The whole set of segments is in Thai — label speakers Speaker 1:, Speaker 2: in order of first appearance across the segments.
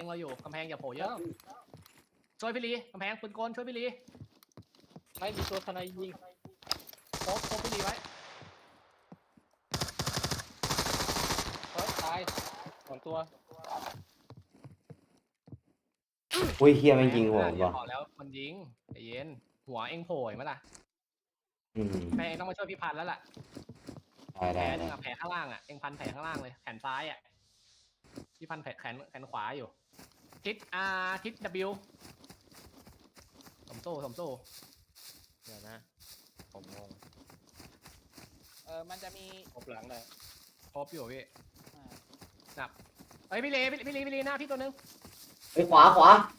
Speaker 1: เราอยู่กำแพงอย่าโผล่เยอะช่วยพี่ลีกำแพงปืนกลช่วยพี่ลี
Speaker 2: ไม่มีตัวทนายยิง
Speaker 1: โคบพี่ลีไว้
Speaker 2: ตาย2 ตัว
Speaker 3: อุ้ยเฮียไม่ยิงหัวผมว่ะ
Speaker 1: บอกแล้วมันยิงใจเย็นหัวเองโผล่มั้ยล่ะแม่เองต้องมาช่วยพี่พันแล้วล่ะแผลนึงแผลข้างล่างเองพันแผลข้างล่างเลยแขนซ้ายพี่พันแขนขวาอยู่ทิศทิศ W สมโซ่
Speaker 4: เดี๋ยวนะผมงง
Speaker 5: มันจะมี
Speaker 2: ออกหลังเลย
Speaker 1: ครบอยู่พี่นับเฮ้ยพี่ลีหน้าพี่ตัวนึง
Speaker 3: ไอ้ขวา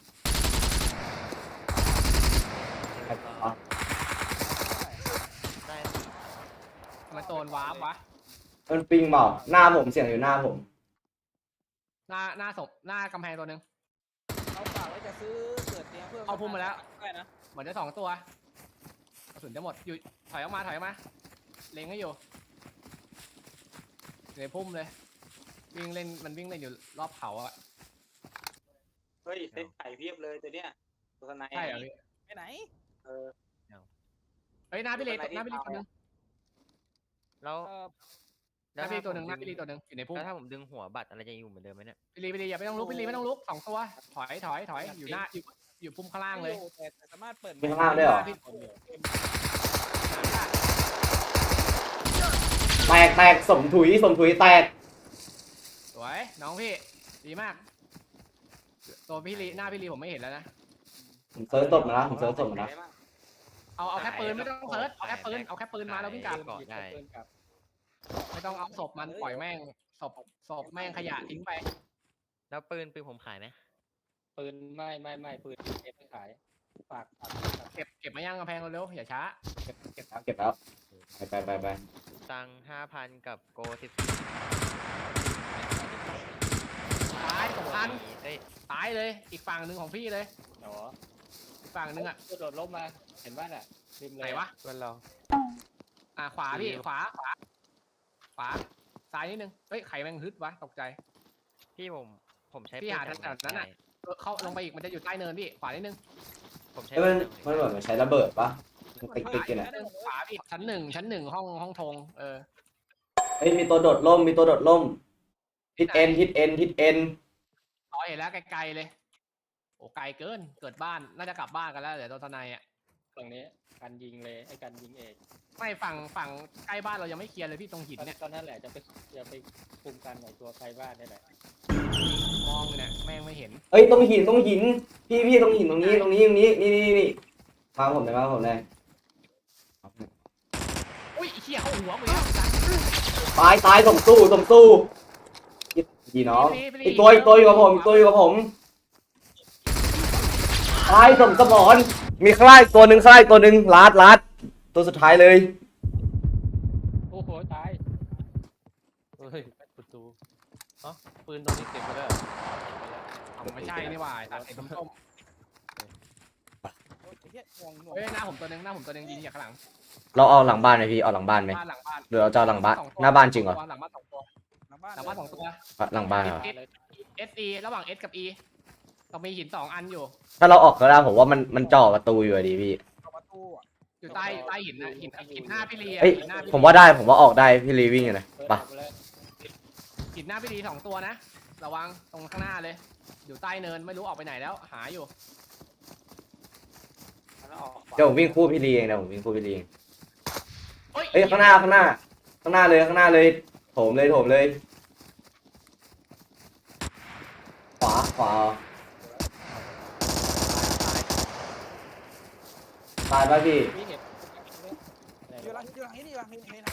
Speaker 4: ได้
Speaker 1: มันโดนวาร์ปวะ
Speaker 3: มันปิงเปล่าหน้าผมเสียงอยู่หน้าผม
Speaker 1: หน้ากำแพงตัวนึง
Speaker 5: เขาฝากไว้จะซื้อเกิดเตียงเพื่อ
Speaker 1: เอาพุ่มมาแล้ว
Speaker 5: ได้นะ
Speaker 1: เหมือนจะ2 ตัวกระสุนจะหมดอยู่ถอยออกมาเล็งให้อยู่ในพุ่มเลยวิ่งเล่นอยู่รอบเขาอะ
Speaker 6: เฮ้ยเซ็ตไข่เพียบเลยตัวเนี้ยตัวทนาย
Speaker 1: ใช่เหรอพี่
Speaker 5: ไปไหน
Speaker 6: เออ
Speaker 1: เฮ้ยหน้าพี่ลีตัวนึง
Speaker 4: แล้ว
Speaker 1: หน้าพี่ลีตัวนึงอยู่ในพุ่ม
Speaker 4: แล้วถ้าผมดึงหัวบัตรอะไรจะอยู่เหมือนเดิมไหมเนี่ย
Speaker 1: พี่ลีอย่าไม่ต้องลุกพี่ลีไม่ต้องลุก2 ตัวถอยอยู่หน้าอยู่พุ่มข้างล่างเลย
Speaker 5: แต่สามารถเปิด
Speaker 3: มีข้างล่างด้วยเหรอแตกสมถุยแตก
Speaker 1: สวยน้องพี่ดีมากตัวพี่ลีหน้าพี่ลีผมไม่เห็นแล้วนะ
Speaker 3: ผมเซิร์ชตบมาแล้ว
Speaker 1: เอาแค่ปืนไม่ต้องเซิร์ชเอาแค่ปืนมาแล้ววิ่งกลับ
Speaker 4: เกาะได้
Speaker 1: ไม่ต้องเอาศพมันปล่อยแม่งศพแม่งขยะทิ้งไป
Speaker 4: แล้วปืนผมขายไหม
Speaker 2: ปืนไม่ปืนเก็บไปขายฝาก
Speaker 1: เก็บมาย่างกำแพงเร็วๆอย่าช้า
Speaker 3: เก็บแล้วไป
Speaker 4: ตังค์5,000กับโก14
Speaker 1: ตาย2,000
Speaker 4: เอ้ย
Speaker 1: ตายเลยอีกฝั่งหนึ่งของพี่เลย
Speaker 2: หนอ
Speaker 1: อีกฝั่งหนึ่งอะ
Speaker 2: ตัวโดดล้มมาเห็นบ้านอ่ะริมเลย
Speaker 1: ไหนวะ
Speaker 4: เพื่อนเรา
Speaker 1: ขวาพี่ขวาซ้ายนิดนึงเฮ้ยไข่แม่งฮึดวะตกใจ
Speaker 4: พี่ผมใช้
Speaker 1: พี่หา
Speaker 4: ปืน
Speaker 1: แถวนั้นน่ะ เข้าลงไปอีกมันจะอยู่ใต้เนินพี่ขวานิดนึง
Speaker 4: ผมใช้
Speaker 3: เอ้ยมันเหมือนมันใช้ระเบิดปะมันติ๊กกันอ่ะ
Speaker 1: ขวาพี่ชั้นหนึ่งห้องธง
Speaker 3: เฮ้ยมีตัวโดดร่มทิศเอ็น
Speaker 1: อ๋อเห็นแล้วไกลๆเลยโอ้ไกลเกินเกิดบ้านน่าจะกลับบ้านกันแล้วเดี๋ยวตัวทนายอะ
Speaker 2: ฝั่งนี้การยิงเลยไอ้การยิงเอก
Speaker 1: ไม่ฝั่งใกล้บ้านเรายังไม่เคลียร์เลยพี่ตรงหินเนี่ย
Speaker 2: ตอนนั้นแหละจะไปคุมกันหน่อยตัวใครบ้านนี่แหละ
Speaker 1: มองเลยเนี่ยแม่งไม่เห็น
Speaker 3: เอ้ยตรงหินพี่ตรงหินตรงนี้นี่มาผมเลย
Speaker 1: อุ้ยเขี้ยเข้าหัวมึงแล้ว
Speaker 3: ตายสมสู้ดีน้องอีกตัวอยู่กับผมตายสมสมรมีข้างล่างตัวหนึ่งลัดตัวสุดท้ายเลย
Speaker 2: โอ้โหตายเฮ้ยประตูปืนตรงนี้เก็บไปแล้ว
Speaker 1: ไม่ใช่นี่หว่าตัดเห็นส้ม
Speaker 5: โอ้ยเฮียงง
Speaker 1: เฮ้ยหน้าผมตัวนึงยิงจากข้างหลัง
Speaker 3: เราเอาหลังบ้านไหมพี่เอาหลังบ้านไหม
Speaker 1: บ้านหลังบ้าน
Speaker 3: หรือเราจะเอาหลังบ้านหน้าบ้านจริงเหรอ
Speaker 1: หลังบ้าน2 ตัว
Speaker 5: หลังบ้าน
Speaker 1: หลังบ้าน2 ตัว
Speaker 3: หลังบ้านเหรอ
Speaker 1: SE ระหว่าง S กับ E ต้องมีหิน2 อันอยู่
Speaker 3: ถ้าเราออกก็ได้ผมว่ามันจ่อประตูอยู่ดีพี่
Speaker 5: ประตูอ่ะ
Speaker 1: อยู่ใต้หินนะหินหน้าพี่ลี
Speaker 3: เอ้ย
Speaker 1: หินหน้าพี่
Speaker 3: ผมว่าได้ผมว่าออกได้พี่ลีวิ่งอยู่นะไป
Speaker 1: หินหน้าพี่ลี2 ตัวนะระวังตรงข้างหน้าเลยอยู่ใต้เนินไม่รู้ออกไปไหนแล้วหาอยู่
Speaker 3: เดี๋ยวผมวิ่งคู่พี่ลีเองเอ้ยข้างหน้าเลยโถมเลยขวาตายป่ะพี่
Speaker 2: พี่เห็น
Speaker 5: อยู่หลังนี้นี่หลังนี้ผม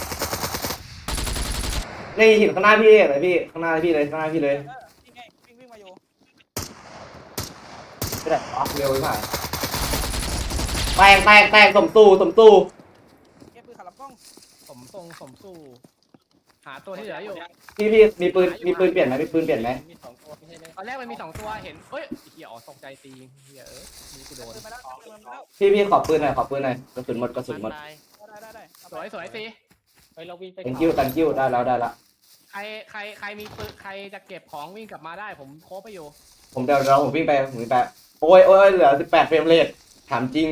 Speaker 3: นี่หินข้างหน้าพี่เลยพี่ข้างหน้าพี่เลย
Speaker 5: นี่ไงวิ่งมาอยู่
Speaker 3: ไม่ได้เร็วไปแตกสมตู้
Speaker 5: เก็บปืนขับลำกล้อง
Speaker 1: สมสู้หาตัวที่เหลืออยู่
Speaker 3: พี่มีปืนเปลี่ยนไหมมี2ตัวไม่ใช่ไหม
Speaker 1: ตอนแรกมันมี2 ตัวเห็นเฮ้ยเหี้ยตกใจตีเหี้ยมีกูโดน
Speaker 5: ปืนมาแล้ว
Speaker 3: พี่ขอปืนหน่อยกระสุนหมด
Speaker 4: ตาย
Speaker 5: ได้
Speaker 1: สวยตี
Speaker 2: เฮ้ยเราวิ่งไป
Speaker 3: ตังกิ้วได้แล้ว
Speaker 1: ใครมีปืนใครจะเก็บของวิ่งกลับมาได้ผมโคบไปอยู่
Speaker 3: ผมเดี๋ยวผมวิ่งไปโอ้ยเหลือ18เฟรมเรทถามจริง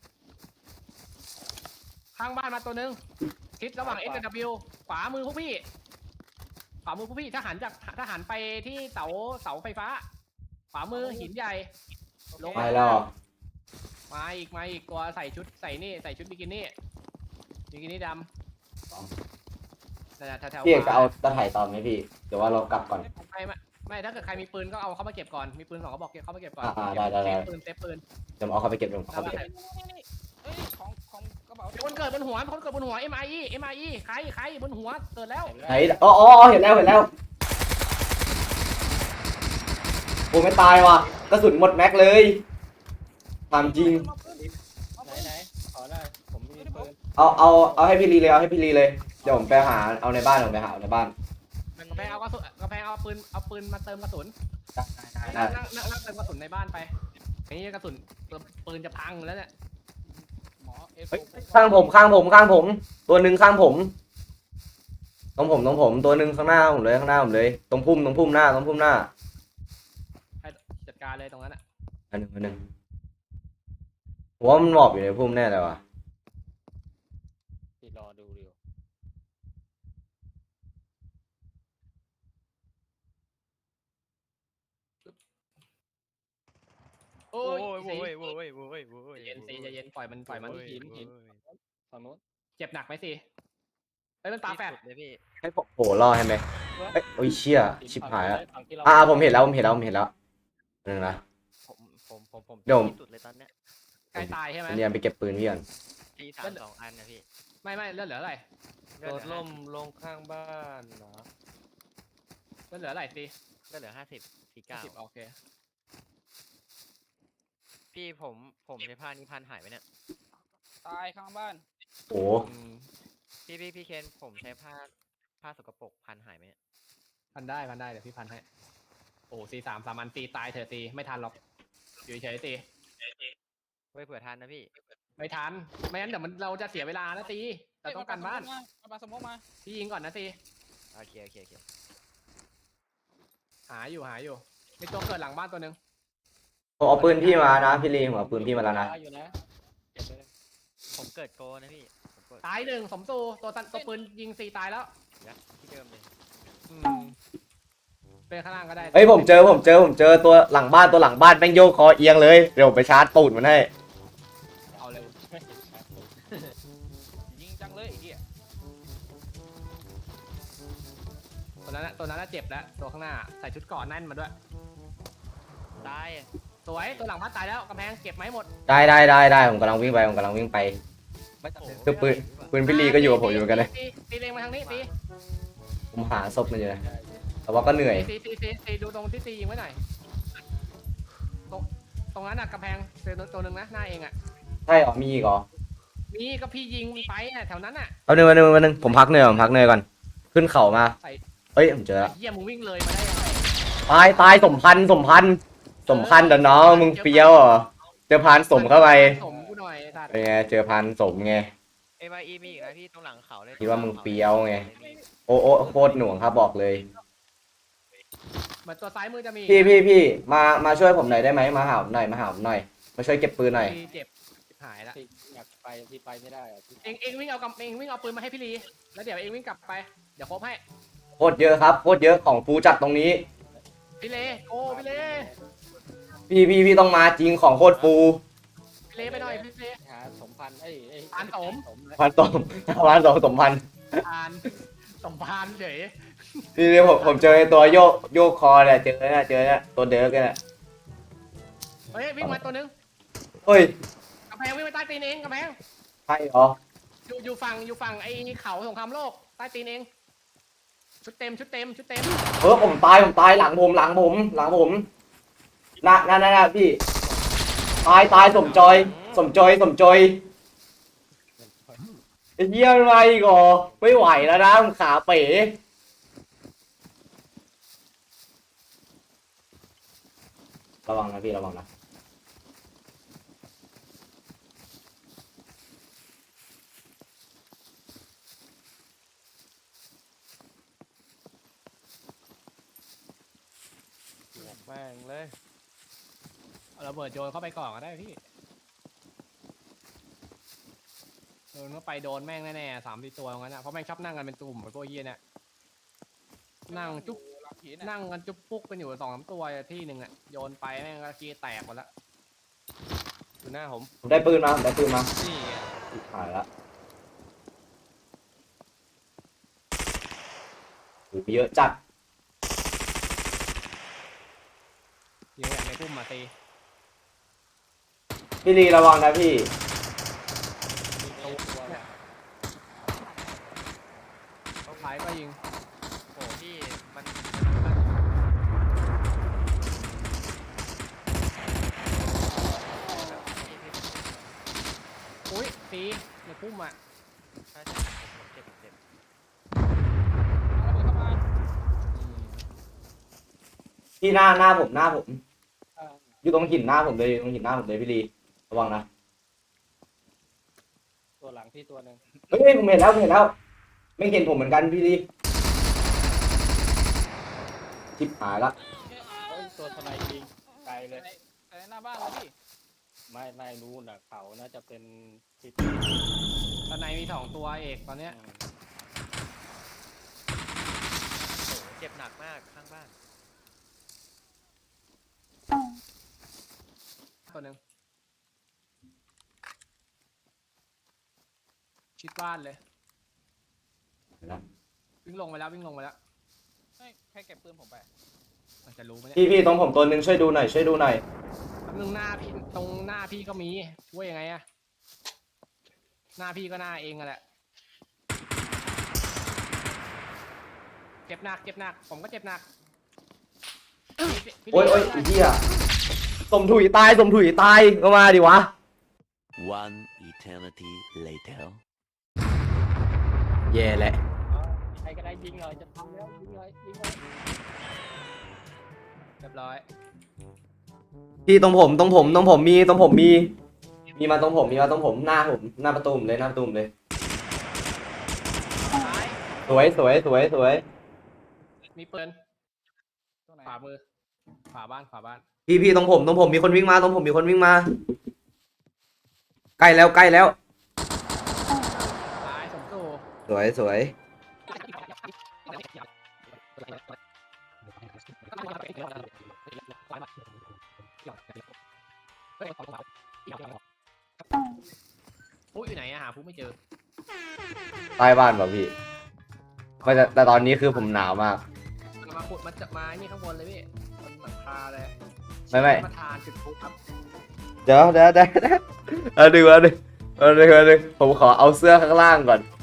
Speaker 1: ข้างบ้านมาตัวนึงทิศระหว่าง S กับ W ขวามือพวกพี่ถ้าหันไปที่เสาไฟฟ้าขวามือหินใหญ่ลง
Speaker 3: ไปแล้วเหรอ
Speaker 1: มาอีกตัวใส่ชุดบิกินี่ดำนั่นแหละแถวๆ
Speaker 3: พี่เอก
Speaker 1: ข
Speaker 3: จะ
Speaker 1: วา
Speaker 3: เอาตะไถ่ต่อไหมพี่เดี๋ยวว่าเรากลับก่อน
Speaker 1: ไม่ถ้าเกิดใครมีปืนก็เอาเข้ามาเก็บก่อนมีปืน2 กระบอกเก็บเข้ามาเก็บก่อน
Speaker 3: ได้
Speaker 1: เซฟปืน
Speaker 3: เดี๋ยวผมเอาเข้าไปเก็บเดี๋ยวผมเอาเข้าไปเก็บ
Speaker 5: นี่เอ้ยของกระเป๋า
Speaker 1: มีคนเกิดบนหัวMIE ใครบนหัวเกิดแล้ว
Speaker 3: ไหนอ๋อเห็นแล้วโอ้ไม่ตายว่ะกระสุนหมดแม็กเลยถามจริง
Speaker 2: ไหนขอได้ผมมีปืน
Speaker 3: เอาให้พี่ลีเลยเดี๋ยวผมไปหาเอาในบ้านเอาในบ้าน
Speaker 1: กำแพงเอาปืนมาเติมกระสุน
Speaker 3: ได้
Speaker 1: นั่งเติมกระสุนในบ้านไปนี่กระสุนปืนจะพังแล้วเนี่ย
Speaker 5: หมอเอฟ
Speaker 3: เฮ้ยข้างผมตัวหนึ่งข้างผมตรงผมตัวหนึ่งข้างหน้าผมเลยตรงพุ่มหน้า
Speaker 1: ให้จัดการเลยตรงนั้นอ่ะ
Speaker 3: อันหนึ่งผมว่ามันหมอบอยู่ในพุ่มแน่เลยว่ะ
Speaker 2: ที่รอดูเดียว
Speaker 1: โอ้
Speaker 4: โอ้
Speaker 1: ย
Speaker 4: ยโว้ยโว้ยโว้ยโว้ย
Speaker 1: เย็นใจเย็นปล่อยมัน
Speaker 2: หินฝั่งโน้น
Speaker 1: เจ็บหนักไหมสิเฮ้ยมันปาแฟด
Speaker 4: เลยพี่
Speaker 3: ให้ผมโผล่ล่อให้ไหมเอ้ยโอ้ยเชี่ยชิบหายละ
Speaker 2: ฝั่งที่เรา
Speaker 3: ผมเห็นแล้วนึงนะ
Speaker 4: ผม
Speaker 3: เดี๋ยว
Speaker 4: ที่สุดเลยตอนเนี้ย
Speaker 1: ใกล้ตายใช่ไหม
Speaker 3: เนี่ยไปเก็บปืนพี่ก่อน
Speaker 4: ที32 อันนะพี่
Speaker 1: ไม่เลือดเหลืออะไร
Speaker 2: โดดล่มลงข้างบ้านเหรอ
Speaker 1: เลือดเหลืออะไรสิ
Speaker 4: ก็เหลือ50
Speaker 1: 10โอเค
Speaker 4: พี่ผมใช้ผ้านี้พันหายไปเนี่ย
Speaker 5: ตายข้างบ้าน
Speaker 3: โอ้
Speaker 4: พี่เคนผมใช้ผ้าสกปรกพันหายไปเนี่ย
Speaker 1: พันได้เดี๋ยวพี่พันให้โอ้3 อันตีตายเถอะตีไม่ทันหรอกอยู่เฉยๆตี
Speaker 4: ไว้เผื่อทันนะพี่
Speaker 1: ไม่ทันไม่งั้นเดี๋ยวเราจะเสียเวลานะตีเราต้องการบ้าน
Speaker 5: ปาสมองมา
Speaker 1: พี่ยิงก่อนนะตี
Speaker 4: โอเค
Speaker 1: หาอยู่มีตัวเกิดหลังบ้านตัวหนึ่ง
Speaker 3: ผมเอาปืนพี่มานะพี่ลีผมเอาปืนพี่มาแล้วนะ
Speaker 2: อยู่นะเก็บไปเลย
Speaker 4: ผมเกิดโกนะพี่ผมเกิด
Speaker 1: ตายหนึ่งสมตัวปืนยิง4ตายแล้ว
Speaker 4: ที่เดิมเลย
Speaker 1: เป็นข้างล่างก็ได้
Speaker 3: เฮ้ยผมเจอตัวหลังบ้านแม่งโยกคอเอียงเลยเดี๋ยวผมไปชาร์จตูดมันให้
Speaker 1: เอาเลย
Speaker 5: ยิงจังเลยไอ้เหี้ย
Speaker 1: ตัวนั้นน่ะเจ็บแล้วตัวข้างหน้าใส่ชุดเกราะแน่นมาด้วย
Speaker 4: ตาย
Speaker 1: สวยตัวหลังบ้านตายแล้วกำแพงเก็บไหมหมด
Speaker 3: ได้ผมกำลังวิ่งไป
Speaker 1: ไม่จำเป็น
Speaker 3: คือปืนพี่ลีก็อยู่กับผมอยู่เหมือนกันเลย
Speaker 1: ตีเลงมาทางนี้ตี
Speaker 3: ผมหาศพมันอยู่นะแต่ว่าก็เหนื่อย
Speaker 1: ตีดูตรงที่ตียิงไว้หน่อยตรงนั้นน่ะกำแพงตัวหนึ่งนะหน้าเองอ่ะ
Speaker 3: ใช่หรอมีอีกเหรอ
Speaker 1: มีก็พี่ยิงไปอ่ะแถวนั้นอ่ะ
Speaker 3: เอาหนึ่งผมพักเหนื่อยก่อนขึ้นเข่ามาเอ้ยผมเจอแล้ว
Speaker 1: เฮียมึงวิ่งเลยมาได้ยังไง
Speaker 3: ตายสมพันธ์เดี๋ยวน้องมึงเปรี้ยวเหรอเจอพานสมเข้าไป
Speaker 1: สมกูหน่อยสัตว์
Speaker 3: เป็นไงเจอพานสมไง
Speaker 4: MIE มีอีกนะพี่ตรงหลังเขาเลย
Speaker 3: คิดว่ามึงเปรี้ยวไง โอ้โคตรหน่วงครับบอกเลย
Speaker 1: เหมือนตัวซ้ายมือจะมี
Speaker 3: พี่มาช่วยผมหน่อยได้ไหมมาหาผมหน่อยมาช่วยเก็บปืนหน่อย
Speaker 1: เจ็บหายละ
Speaker 2: ที่อยากไปที่ไปไม่ได้อะที่
Speaker 1: เองวิ่งเอาปืนมาให้พี่ลีแล้วเดี๋ยวเองวิ่งกลับไปเดี๋ยวครบให้
Speaker 3: โคตรเยอะครับโคตรเยอะของฟูจัดตรงนี้
Speaker 1: พี่เลพี่เล
Speaker 3: พี่ต้องมาจริงของโคตรฟู
Speaker 1: พี่เลไปหน่อยพี่เล
Speaker 2: หาสมพันธ์เลย
Speaker 1: พันสม
Speaker 2: เลย
Speaker 3: พันสมพันสองสมพันธ์
Speaker 1: พานสมพานเฉย
Speaker 3: พี่ผมเจอไอ้ตัวโยกคอเนี่ยเจอเนี่ยตัวเดิร์กเนี่ย
Speaker 1: เฮ้ยวิ่งมาตัวนึง
Speaker 3: เฮ้ย
Speaker 1: กำแพงวิ่งไปใต้ตีนเองกำแพง
Speaker 3: ใช่เหรอ
Speaker 1: อยู่ฝั่งไอ้เขาสงครามโลกใต้ตีนเองชุดเต็ม
Speaker 3: ผมตายหลังผมน่ะพี่ตายสมจอยไอ้เหี้ยอะไรอีก่อไม่ไหวแล้วนะมึงขาเป๋ระวังนะพี่ระวังนะ
Speaker 2: แม่งเลย
Speaker 1: เอาระเบิดโยนเข้าไปก่อนก็ได้พี่โดนเข้าไปโดนแม่งแน่ๆ3-4 ตัวงั้นนะเพราะแม่งชอบนั่งกันเป็นตุ่มไอ้พวกเหี้ยเนี่ยนั่งจุ๊บ
Speaker 5: หลังหินอะ
Speaker 1: นั่งกันจุ๊บปุ๊กกันอยู่2-3 ตัวที่หนึ่งอ่ะโยนไปแม่งก็กี้แตกหมดละ
Speaker 2: อยู่หน้าผม
Speaker 3: ผมได้ปืนมาผมได้ปืนมา
Speaker 1: นี่ไง
Speaker 3: หายละโอ้โหเยอะจัด
Speaker 1: ยิงแบบในพุ่มมาตี
Speaker 3: พี่ลีระวังนะพี่
Speaker 2: มีตัวเนี่ย
Speaker 1: เขาขายก็ยิง
Speaker 4: โอ้พี่มันพี่
Speaker 1: อุ้ยตีในพุ่มอ่ะ
Speaker 4: ใช่ผมเจ็บ
Speaker 5: เอาระเบิดเข้ามา
Speaker 3: พี่หน้าผมหน้าผม
Speaker 5: อ่า
Speaker 3: อยู่ตรงหินหน้าผมเลยอยู่ตรงหินหน้าผมเลยพี่ลีระวังนะ
Speaker 2: ตัวหลังพี่ตัวหนึ่ง
Speaker 3: เฮ้ยผมเห็นแล้วผมเห็นแล้ว ไม่เห็นผมเหมือนกันพี่ลีชิบหายละ
Speaker 2: เฮ้ยตัวทนายยิงไกลเลย
Speaker 5: แต่ในหน้าบ้านเลยพี่
Speaker 2: ไม่รู้น่ะเขาน่าจะเป็นที่
Speaker 1: ตอนในมี2 ตัวเอกตอนเนี้ย
Speaker 4: โอ้เจ็บหนักมากข้างบ้าน
Speaker 1: ตัวหนึ่งชิดบ้านเลย
Speaker 3: เห็นละ
Speaker 1: วิ่งลงไปแล้ววิ่งลงไปแล้ว
Speaker 5: เฮ้ยใครเก็บปืนผมไป
Speaker 1: มันจะรู้ไหมเนี่ย
Speaker 3: พี่ตรงผมตัวหนึ่งช่วยดูหน่อยช่วยดูหน่อย
Speaker 1: แป๊บนึงหน้าพี่ตรงหน้าพี่ก็มีช่วยยังไงอะหน้าพี่ก็หน้าเองอะแหละเจ็บหนักผมก็เจ็บหนักพี่
Speaker 3: โอ้ย
Speaker 1: พี่
Speaker 3: ไอ้เหี้ยสมถุยตายก็มาดิวะ
Speaker 7: One eternity later.
Speaker 3: แย่แหละ
Speaker 2: ใครก็ได้ยิงเลยจะทำแล้วยิงเลย
Speaker 1: เรียบร้อย
Speaker 3: พี่ตรงผมมีมาตรงผมหน้าผมหน้าประตูผมเลยหน้าประตูผมเลย
Speaker 1: ซ้าย
Speaker 3: สวย
Speaker 1: มีปืน
Speaker 5: ตรงไหน
Speaker 1: ขวามือขวาบ้าน
Speaker 3: พี่ตรงผมมีคนวิ่งมาใกล้แล้ว
Speaker 1: ซ้ายสมตู่
Speaker 3: สวย
Speaker 1: ผู้อยู่ไหนอะหาผู้ไม่เจอ
Speaker 3: ใต้บ้านป่ะพี่ไม่แต่ตอนนี้คือผมหนาวมาก
Speaker 1: มาขุดมาจับไม้นี่ข้างบนเลยพี่บนหลังคาเลย
Speaker 3: ไม่
Speaker 1: มาทานจุดพลุครับ
Speaker 3: เดี๋ยวเอาดึงผมขอเอาเสื้อข้างล่างก่อน